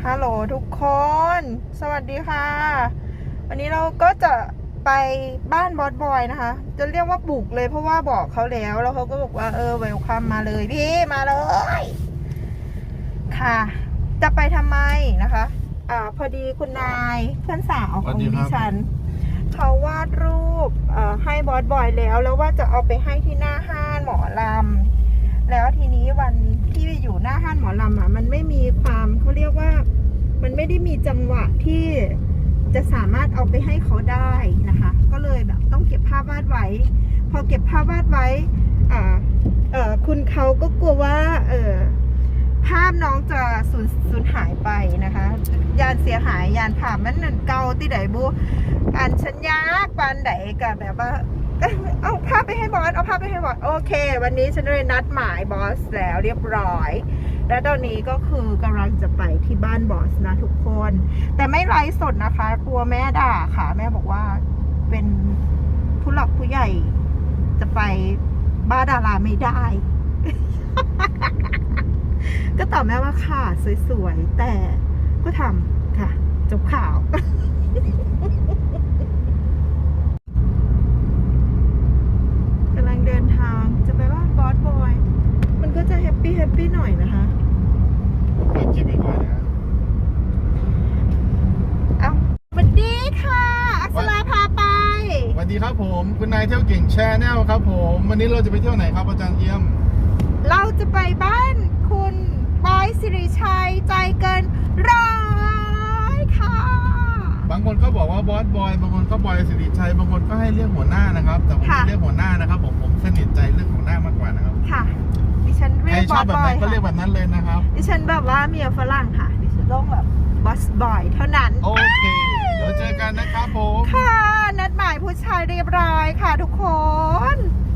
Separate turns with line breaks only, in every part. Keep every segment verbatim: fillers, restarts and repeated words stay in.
ฮัลโหลทุกคนสวัสดีค่ะวันนี้เราก็จะไปบ้านบอสบอยนะคะจะเรียกว่าบุกเลยเพราะว่าบอกเขาแล้วแล้วเขาก็บอกว่าเออเวลคัมมาเลยพี่มาเลยค่ะจะไปทำไมนะคะอ่าพอดีคุณนายเพื่อนสาวของดิฉันเขาวาดรูปให้บอสบอยแล้วแล้วว่าจะเอาไปให้ที่หน้าห้างหมอลำแล้วทีนี้วันที่อยู่หน้าห้างหมอลำอ่ะมันไม่มีความเขาเรียกว่ามันไม่ได้มีจังหวะที่จะสามารถเอาไปให้เขาได้นะคะก็เลยแบบต้องเก็บภาพวาดไว้พอเก็บภาพวาดไว้อ่าเอ่อคุณเขาก็กลัวว่าเออภาพน้องจะสูญสูญหายไปนะคะยานเสียหายยานผ่ามันนั่นเก่าที่ไหนบูการชัญญาปานไหนกับแบบว่าเอาภาพไปให้บอสเอาภาพไปให้บอสโอเควันนี้ฉันเลยนัดหมายบอสแล้วเรียบร้อยและตอนนี้ก็คือกำลังจะไปที่บ้านบอสนะทุกคนแต่ไม่ไลฟ์สดนะคะกลัวแม่ด่าค่ะแม่บอกว่าเป็นผู้หลักผู้ใหญ่จะไปบ้านดาราไม่ได้ ก็ตอบแม่ว่าค่ะสวยๆแต่ก็ทำค่ะจบข่าว กำลังเดินทางจะไปบ้านบอสบอยมันก็จะแฮปปี้แฮปปี้หน่อยนะคะ
เป็นคลิปอีกหน่อยนะ
เอาสวัสดีค่ะอักษราพาไป
สวัสดีครับผมคุณนายเที่ยวเก่งแชร์แนลครับผมวันนี้เราจะไปเที่ยวไหนครับอาจารย์เอี่ยม
เราจะไปบ้านคุณบอยสิริชัยใจเกินร้อยค่ะ
บางคนก็บอกว่าบอสบอยบางคนก็บอยสิริชัยบางคนก็ให้เรียกหัวหน้านะครับแต่ผมไม่เรียกหัวหน้านะครับผมผมสนิทใจเรื่องหัวหน้ามากกว่านะครับ
ค่ะดิฉันเรียกบอสบอย
ก็เรียกแบบนั้นเลยนะครับ
ดิฉันแบบว่าเมียฝรั่งค่ะดิฉันต้องแบบบอสบอยเท่านั้น
โอเคเดี๋ยวเจอกันนะครับผม
ค่ะนัดหมายผู้ชายเรียบร้อยค่ะทุกคน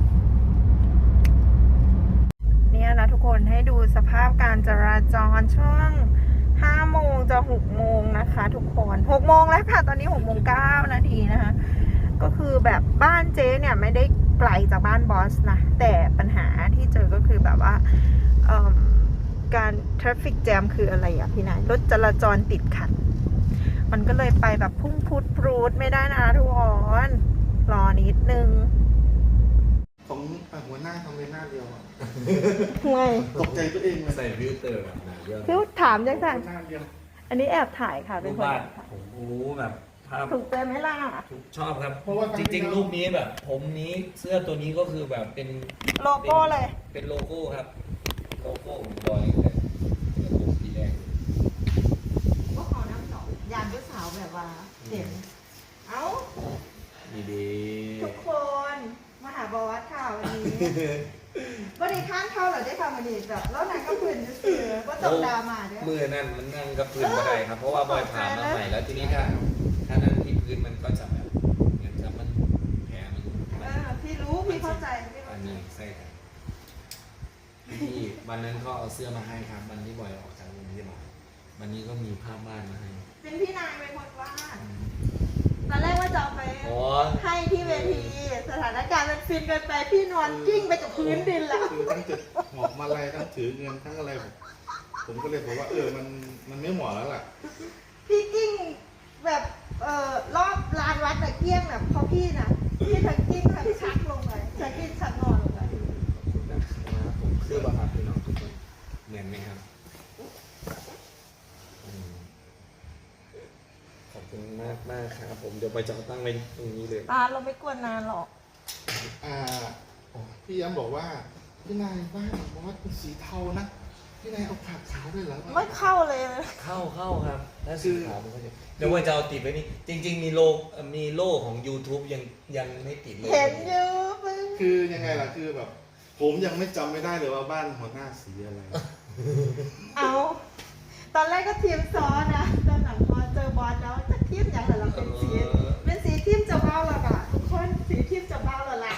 เนี่ยนะทุกคนให้ดูสภาพการจราจรช่วงห้าโมงจะหกโมงนะคะทุกคนหกโมงแล้วค่ะตอนนี้หกโมงเก้านาทีนะคะก็คือแบบบ้านเจ๊เนี่ยไม่ได้ไกลจากบ้านบอสนะแต่ปัญหาที่เจอก็คือแบบว่าการ traffic jam คืออะไรอ่ะพี่นายรถจราจรติดขัดมันก็เลยไปแบบพุ่งพุดปรูดไม่ได้นะทุกคนรอนิดนึง
ของหัวหน้าทำเป็นหน้าเดียวอ่ะ
ไม่
ตกใจตัวเอง
ใส่ฟิลเตอร์แบบไหนเยอะ
พี่ถามยังไงอันนี้แอบถ่ายค่ะเป็นคน
ผมโอ้แบบภาพ
ถูกใจไหมล่ะ
ชอบครับเพราะว่าจริงๆรูปนี้แบบผมนี้เสื้อตัวนี้ก็คือแบบเป็น
โลโก้เลย
เป็นโลโก้ครับโลโก้บอยเลยโลโก้สีแดง
ก็ขอน้ำสองยานผู้สาวแบบว่าเด่นเอ้า
ดีดี
ทุกคนมาหาบอสค่ะวันนี้วันนี้ข้างเข้าเหรอได้ทำวันนี้แบบแล้วนางก็พื้นจะเสือว่าตกดามาเนี่ย
มือนั่นมันนั่งกับพื้นก็ได้ครับเพราะว่าบอยผ่านมาใหม่แล้วทีนี้ถ้าถ้านั่งที่พื้นมันก็จะแบบเหมือนกับมันแผลมัน
เออพี่รู้พี่เข้าใจ
อันนี้ใช่ครับที่วันนั้นก็เอาเสื้อมาให้ครับวันที่บอยออกจากโรงพยาบาลวันนี้ก็มีภาพบ้านมาให้
เป็นพี่นายเป็นคนวาดตอนแรกว่าจะเอาไปให้ที่เวทีสถานการณ์มันฟินเกินไปพี่นอนกิ้งไปกับพื้นดินแล้ว
คือทั้งจุดหอบมาลัยทั้งถือเงินทั้งอะไรผมผมก็เลยบอกว่าเออมันมันไม่เหมาะแล้วล่ะ
พี่กิ้งแบบเอ่อรอบลานวัดแต่เกี้ยงแบบพอพี่นะพี่ทั้งกิ้งทั้งชักลงไปชักกิ้งชักนอนลงไป
นะครับผมเสื้อบาร์พี่น้องทุกคนเหมือนไหมครับขอบคุณมากมากครับผมเดี๋ยวไปจะตั้งไว้ตรงนี้เลย
ตาเราไม่กวนนานหรอก
อ่าพี่ย้ำบอกว่าพี่นายบ้านบอสเป็นสีเทานะพี่นายเอาขาดขาวด้วยเหรอ
ไม่เข้าเลย
เข้าเข้าครับถ้าสีขาวมันก็จะเดี๋ยวว่าจะเอาติดไว้นี่จริงๆมีโลมีโล่ของ YouTube ยังยังไม่ติดเลย
เห็นอยู่
คือยังไงล่ะคือแบบผมยังไม่จำไม่ได้เลยว่าบ้านหัวหน้าสีอะไร
เอาตอนแรกก็ทีมซ้อนนะตอนหลังพอเจอบอสแล้วจะทีมอย่างไรเราเป็นสีเป็นสีทีมจะเบ้าหรอกอ่ะทุกคนสีทีมจะเบ้าหรอล่ะ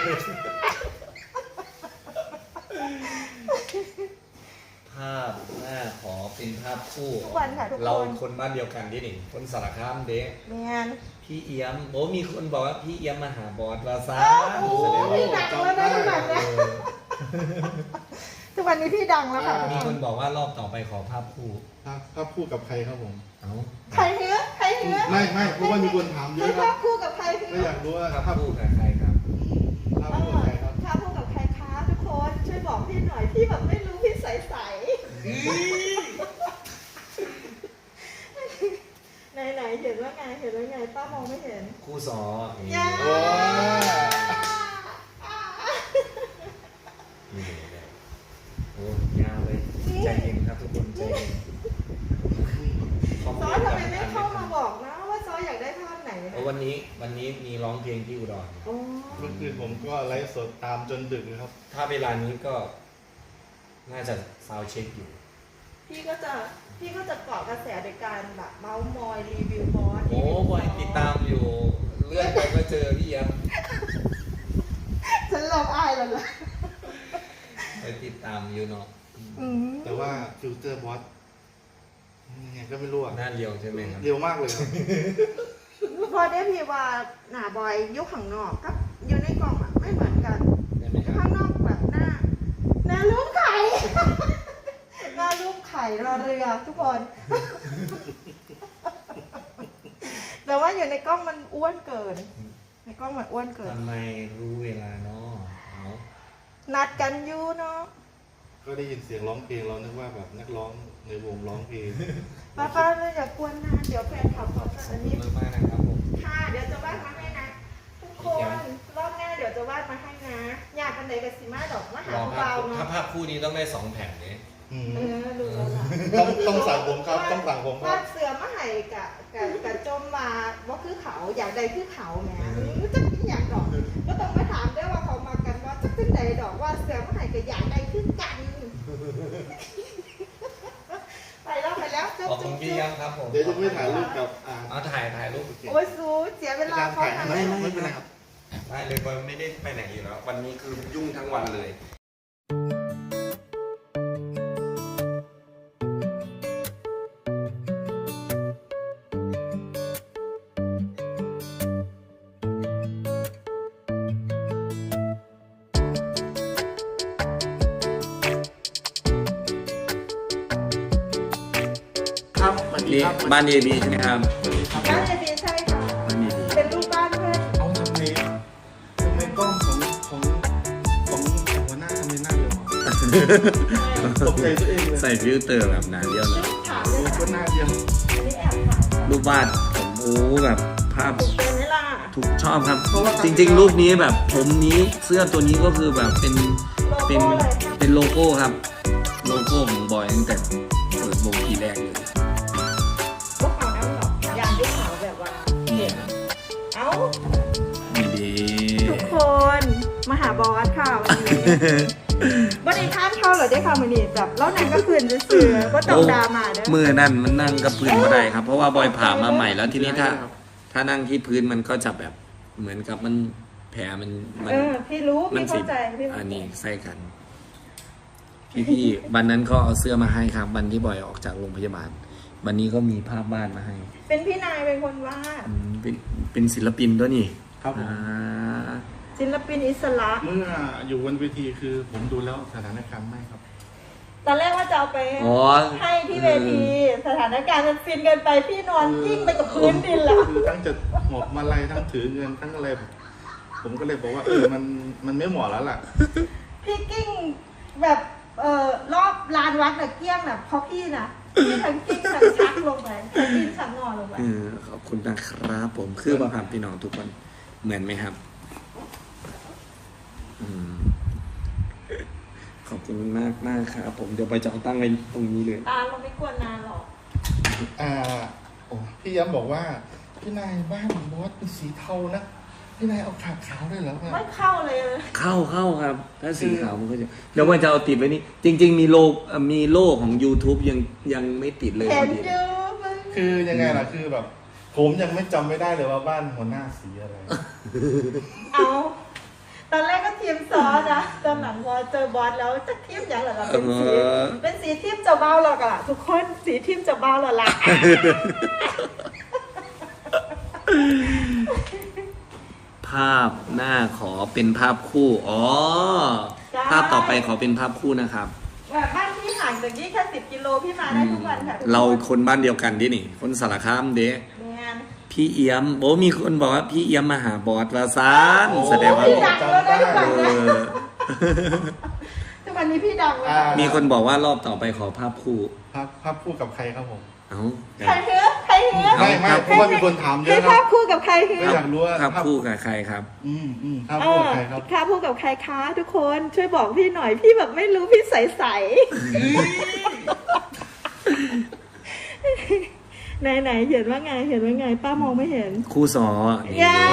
ภาพหน้าขอเป็นภาพคู่
เรา
คนบ้านเดียวกันที่หนึ่งคนสารคามเด็ก
แมน
พี่เอี้ยมโอ้มีคนบอกว่าพี่เอี้ยมมาหาบอสวาซา
โอ้พี่หนักแล้วได้แบบนี้แสทุกวันนี้พี่ดังแล้วค่ะ
มีคนบอกว่ารอบต่อไปขอภาพคู่
ภาพภาพคู่กับใครครับผม
เอ้า
ใครเนื้อใครเนื้อ
ไม่ไม่เพราะว่ามีคนถามเย
ใคร
อะค
ภา
รับ
พคู่กับใครพี่
ก็อยากรู้ว่า
ภาพ
ภาพ
คู่กับใครครับ
ภาพคู่กับใครครับ
ภาพคู่กับใครคะทุกคนช่วยบอกพี่หน่อยพี่แบบไม่รู้พี่ใสใสไหนไหนเห็นว่าไงเห็นว่าไงป้ามองไม่เห็น
คู่สอนี่
ย่า
โอ้ย
นี่เลยโอ้ยาวเลยใจเย็นครับทุกคนใจเย็น
ซอสทำไมไม่เข้ามาบอกนะว่าซอสอยากได้ภาพไหน
เพราะวันนี้วันนี้มีร้องเพลงที่อุดร
อ๋อ
เมื่อคืนผมก็ไลฟ์สดตามจนดึกนะครับ
ถ้าเวลานี้ก็น่าจะซาวด์เช็คอยู่
พี่ก็จะพี่ก็จะเกาะกระแสโดยการแบบเมาส์มอยรีวิวบอส
โอ้บอยติดตามอยู่เลื่อนไปก็เจอพี่ยับ
ฉันลองอายแล้วล่ะ
ไปติดตามอยู่เนาะ
อืม
แต่ว่าฟิลเตอร์บอสยังไงก็ไม่รู้อ่ะ
หน้าเรียวใช่ไหมครับ
เร็วมากเลยครับ
พอได้พี่ว่าหน้าบอยยุคข้างนอกกับอยู่ในกล่องอะไม่เหมือนกัน
ได้ไหมครับ
ข้างนอกแบบหน้าหน้ารูปไข่ หน้ารูปไข่รอเรือทุกคน แต่ว่าอยู่ในกล้องมันอ้วนเกิน ในกล้องมันอ้วนเกิน
ทำไมรู้เวลาเนาะเอา
นัดกันอยู่เนาะ
ก็ได้ยินเสียงร้องเพลงเรานึกว่าแบบนักร้องในวงร้องเพลง
ป้าป้าเลยอย่ากวนนานเดี๋ยวแฟนขับขออันนี้
มากมากๆนะครับผม
ค่ะเดี๋ยวจะวาดมาให้นะทุกคนรอบหน้าเดี๋ยวจะวาดมาให้นะอยากกันไหนกับสิมาดอกมาหาร
อภา
เบา
พ
ๆ
ถ้า
เนาะ
ภาพคู่นี้ต้องได้สองแผ่นเนี่ย
อืม
เออดูแล้วล่ะ
ต้องต้องสั่งผมครับต้องสั่งผมครั
วา
บ
ดเสือมาให้กะกะกะจมมาว่าคือเขาอยากใดคือเขาแหมจักอยากดอกก็ต้องมาถามด้วยว่าเขามากันว่าจักเป็นใดดอกว่าเสือมาให้กับอยากใดคือกันไปแล้วไปแล้วจุ๊บ
ขอบคุ
จุ๊
ณ
บ
พี่
จุ๊บ
ยับครับผม
เดี๋ยวจะไม่ถ่ายรูปกับอ่า
เอาถ่ายถ่ายรูป
โอ้ยซูเสียเวลาเขา
ถ่าย
ทำ
ไม่ไม่ไม่เป็นไรครับ
ได้เลยบอยไม่ได้ไปไหนอยู่แล้ว วันนี้คือยุ่งทั้งวันเลย
ครับสวัสดี
นี่
ครับ
บ้านเอบีใช่ไหมครับ
บ้านเอบีใช่ค่ะ
บ้านเอบี
เป็นรูปบ้านเพื่อน
เอาทำไมทำไมกล้องของของของหัวหน้าทำไมหน้าเร็วอ่ะตกใจตัวเองเลย
ใส่ฟิลเตอร์แบบหนาเดียวนะ
ถาม
โอ้
เลย
ก็หน้าเดียว
อันนี้แอบถาม
รูปวาดผมโอ้แบบภาพ
ถูกเป็นไหมล่ะ
ถูกชอบครับ จริง ๆ รูปนี้แบบผมนี้เสื้อตัวนี้ก็คือแบบเป็นเป็นเป็นโลโก้ครับ โลโก้ของบอยตั้งแต่เปิดวงทีแรกเลย
พวกเขาน้ำหรอกยามที่ขาวแบบว่าเห็นเอ้า
ดีดี
ทุกคนมาหาบอสค่ะวันนี้ วันนี้ข้ามเข้าเหรอได้ค่ะมือนี่จับแล้วนางก็คืนจะเสือก็ต้องดามาเด้อ
มือนั่นมันนั่งกับพื้นไม่ได้ครับ เพราะว่าบอยผ่ามาใหม่แล้วทีนี้ถ้า ถ้านั่งที่พื้นมันก็จะแบบเหมือนกับมันแผลมันมั
เออพี่รู้
มั
พี่
สิ
เข้าใจพี่เข้า
อัน
ใจ
นี้ใส่กัน พี่พี่ๆวันนั้นก็เอาเสื้อมาให้ครับวันที่บอยออกจากโรงพยาบาล วันนี้ก็มีภาพบ้านมาให้
เป็นพี่นายเป็นคนวาด
อืมเป็นเป็นศิลปินด้วยนี่
ครับผม
อ่า
ศิลปินอิสระ
เมื่ออยู่บนเวทีคือผมดูแล้วสถานการณ์ไม่ครับ
ตอนแรกว่าจะเอาไป
อ๋อ
ให้ที่เวทีสถานการณ์มันฟินเกินไปพี่นอนกิ้งไปกับพื้นดินแล้ว
คือทั้งจะหมอบมาลัยทั้งถือเงินทั้งอะไรผมก็เลยบอกว่าเออมันมันไม่เหมาะแล้วล่ะ
พี่กิ้งแบบเอ่อรอบลานวัดน่ะเกี้ยงน่ะเพราะพี่น่ะพี่ทั้งกิ้งทั้งชักลงไปทั้งกิ้งทั้งงอลงไป
เออขอบคุณนะครับผมคือประพันพี่น้องทุกคนเหมือนไหมครับ อืมขอบคุณมากมากครับผมเดี๋ยวไปจะเอาตั้งไว้ตรงนี้เลย
ตาเราไม่กวนนานหรอก
อ่าโอ้พี่ย้ำบอกว่าพี่นายบ้านบอสเป็นสีเทานะพี่นายเอาขาขาวด้วยเหรอ
ไม่เข้าเลย
เข้าเข้าครับ ถ้าสีขาวมันก็จะเดี๋ยวมันจะเอาติดไว้นี่จริง ๆ มีโลกเอ่อมีโล่ของ YouTube ยังยังไม่ติดเลย
เห็
พอน ดี
เยอะมึง
คือยังไงล่ะคือแบบ ผมยังไม่จำไม่ได้เลยว่าบ้านหัวหน้าสีอะไร
เอาตอนแรกก็ทีมซอสนะตอนหลังพอเจอบอสแล้วจะทีมอย่างไรล่ะเป็นสีเป็นสีทีมเจ้าเบ้าหรอกล่ะทุกคนสีทีมเจ้าเบ้าหรอล่ะ
ภาพหน้าขอเป็นภาพคู่อ๋อภาพต่อไปขอเป็นภาพคู่นะครับ
แบบบ้านพี่ห่างจากนี่แค่สิบกิโลพี่มาได้ทุกวันค่ะทุกคน
เราคนบ้านเดียวกันดินี่ คนสารคามเด้
แมน
พี่เอี้ยมโอ้มีคนบอกว่าพี่เอี้ยมมาหาบอสวาซานแสดงว่า
พี่ดังแล้วนะทุกวัน
เอ
นะ
อ
ทุกวันนี้พี่ดังแล้ว
อ่า
มีคนบอกว่ารอบต่อไปขอภาพคู่
ภาพภาพคู่กับใครครับผม
เอ้า
ใครเฮือใครเฮือ
ไม่ไม่เพราะว่ามีคนถามเย
ให้
อะค
ภา
รั
พ
บ
คู่กับใครเฮื
ก็
อ
อยากรู้ว่า
ภาพคู่กับใครครับ
อืมอืมภาพ
เอ
คู่
อ
กับใครครับ
ภาพคู่กับใครคะทุกคนช่วยบอกพี่หน่อยพี่แบบไม่รู้พี่ใสใสไหนไหนๆเห็นว่าไงเห็นว่าไง ป้ามองไม่เห็น
คู่สอ
อย่า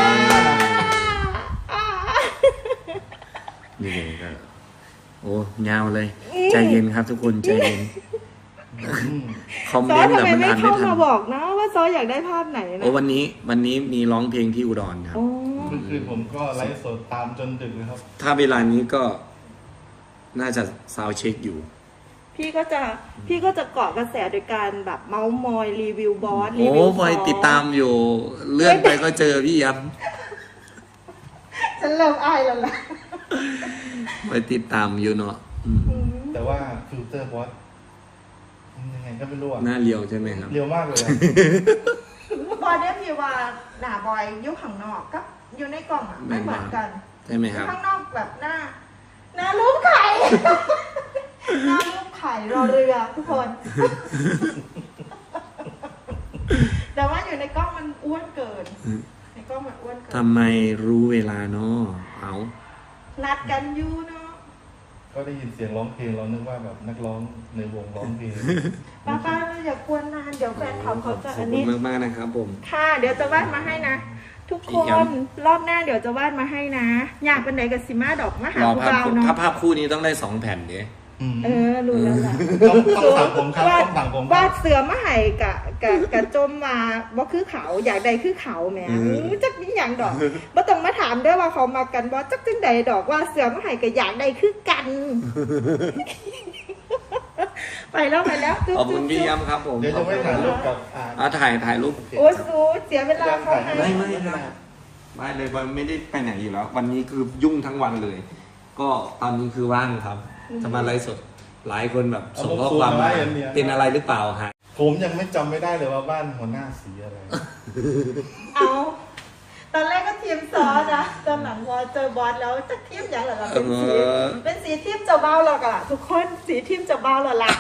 นี่เลยก็โอ้ยาวเลย ใจเย็นครับทุกคนใจเย็น
อืม
คอม
ซ
เม
อน
ต์
ทำ
แบบ
ไม
มัน
ไม่
อ่านไม่
เข้า
ทัน
มาบอกนะว่าซออยากได้ภาพไหนนะ
โอ้วันนี้วันนี้มีร้องเพลงที่อุดรครับ
โอ้
เมื่อคืนผมก็ไลฟ์สดตามจนดึกเลยครับ
ถ้าเวลานี้ก็น่าจะซาวด์เช็คอยู่
พี่ก็จะพี่ก็จะเกาะกระแสโดยการแบบเมาส์มอยรีวิวบอสรี
โอ้
วิว
พอยติดตามอยู่ เลื่อนไปก็เจอพี่ยับ
ฉันเริ่มอายแล้วล่ะ
ไปติดตามอยู่เนาะอืม
แต่ว่าฟิลเตอร์บอสยังไงก็ไม่รู้อะ
หน้าเรียวใช่ไหมครับ
เร็วมากเลยอะ
บอยเนี่ยพี่ว่าหน้าบอยอยู่ข้างนอกกับอยู่ในกล่องอ่ะไม่เหมือนกัน
ใช่ไหมครับ
ข้างนอกแบบหน้า หน้ารูปไข่ หน้ารูปไข่รอเรือทุกคน แต่ว่าอยู่ในกล้องมันอ้วนเกิน ในกล้องมันอ้วนเกิน
ทำไมรู้เวลาเนาะเอา
นัดกันอยู่เนาะ
ก็ได้ยินเสียงร้องเพลงเรานึกว่าแบบนักร้องในวงร้องเพลง
ป้าป้าอย่ากวนนานเดี๋ยวแฟนเขาเขาจะ
ขอ
อั
บ
น
คุ
นี้
ณมากๆนะครับผม
ค่ะ เดี๋ยวจะวาดมาให้นะ ทุกค
อีกอย่าง
นรอบหน้าเดี๋ยวจะวาดมาให้นะ อยากเป็นไหนกับซิมาดอกมาหาร
อ
ผู้
ภาพ
เบา
คู่
เนาะ
ถ้าภาพคู่นี้ต้องได้สองแผ่นเด้
อืม
เออรู้แล้วล่ะ
ต้องต้องสั่งผมครับ
วาด
ต้องสั่งผมครับ
วาดเสือมาให้กะกะกะจมมาบ่คือเขาอยากใดคือเขาแหมอื้อจักนี่อย่างดอกบ่ต้องมาถามเด้อว่าเขามากันบ่จักจังใดดอกว่าเสือมาให้กะอยากใดคือกัน ไปแล้วไปแล้วจุ๊
ขอบคุณพี่ย้ำครับผม
เดี๋ยวจะไม่ถ่ายรูปกับอ่า
อ่ะถ่ายถ่ายรูป
โอ้ยสูเสียเวลาเขาให้
ไม่ไม่ครับไม่เลยวันไม่ได้ไปไหนอยู่แล้ว วันนี้คือยุ่งทั้งวันเลย ก็ตอนนี้คือว่างครับ จะมาไลฟ์สดหลายคนแบบส่งข้อความมาเป็นอะไรหรือเปล่าฮะ
ผมยังไม่จำไม่ได้เลยว่าบ้านหัวหน้าสีอะไร
เอาตอนแรกก็ทีมซอสนะตอนหลังพอเจอบอสแล้วจะทีมอย่างไรล่ะเป็นสี
เออ
เป็นสีทีมเจ้าเบ้าหรอกล่ะทุกคนสีทีมเจ้าเบ้าหรอล่ะ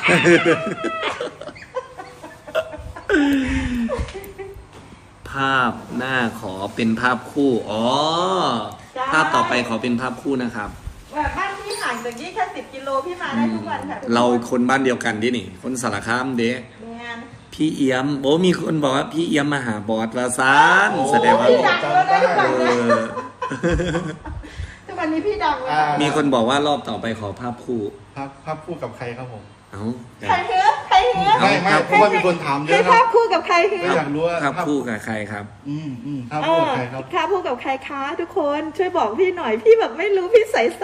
ภาพหน้าขอเป็นภาพคู่อ๋อ
จ้า
ภาพต่อไปขอเป็นภาพคู่นะครับ
แบบบ้านพี่ห่างจากนี่แค่สิบกิโลพี่มาได้ทุกวันค่ะทุกคน
เราคนบ้านเดียวกันดินี่ คนสารคามเด้
แมน
พี่เอี้ยมโอ้มีคนบอกว่าพี่เอี้ยมมาหาบอสวาซานแสดงว่า
พี่ดังแล้วนะทุกวัน
เอ
นะ
อ
ทุกวันนี้พี่ดังแล้ว
อ่า
มีคนบอกว่ารอบต่อไปขอภาพคู่
ภาพภาพคู่กับใครครับผม
เอ้า
ใครเฮือใครเฮือ
ไม่ไม่เพราะว่ามีคนถามเย
ให้
อะค
ภา
รั
พ
บ
คู่กับใครเฮื
ก็
อ
อยากรู้ว่า
ภาพคู่กับใครครับ
อืมอืมภาพ
เอ
คู่
อ
กับใครครับ
ภาพคู่กับใครคะทุกคนช่วยบอกพี่หน่อยพี่แบบไม่รู้พี่ใสใส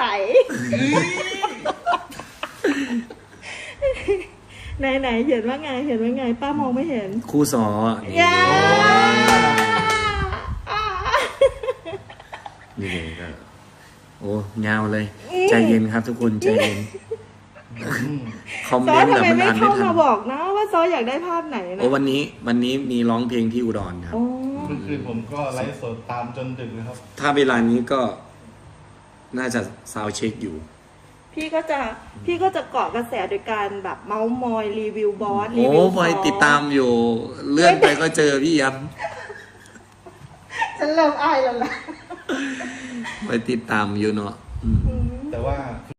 ไหนไหนๆเห็นว่าไงเห็นว่าไง ป้ามองไม่เห็น
คู่สอ
อย่า
นี่เลยก็โอ้ยาวเลย ใจเย็นครับทุกคนใจเย็น
อืม
คอม
ซ
เม
อน
ต์
ทำ
แบบ
ไม
มัน
ไม่
อ่านไม่
เข้า
ทั
มาน บอกนะว่าซออยากได้ภาพไหนนะ
โอ้วันนี้วันนี้มีร้องเพลงที่อุดรครับ
โอ้
เมื่อคืนผมก็ไลฟ์สดตามจนดึกเลยครับ
ถ้าเวลานี้ก็น่าจะซาวด์เช็คอยู่
พี่ก็จะพี่ก็จะเกาะกระแสโดยการแบบเมาส์มอยรีวิวบอสรี
โอ้
วิว
พอยติดตามอยู่ เลื่อนไปก็เจอพี่ยับ
ฉันเริ่มอายแล้วล่ะ
ไปติดตามอยู่เนาะอืม
แต่ว่า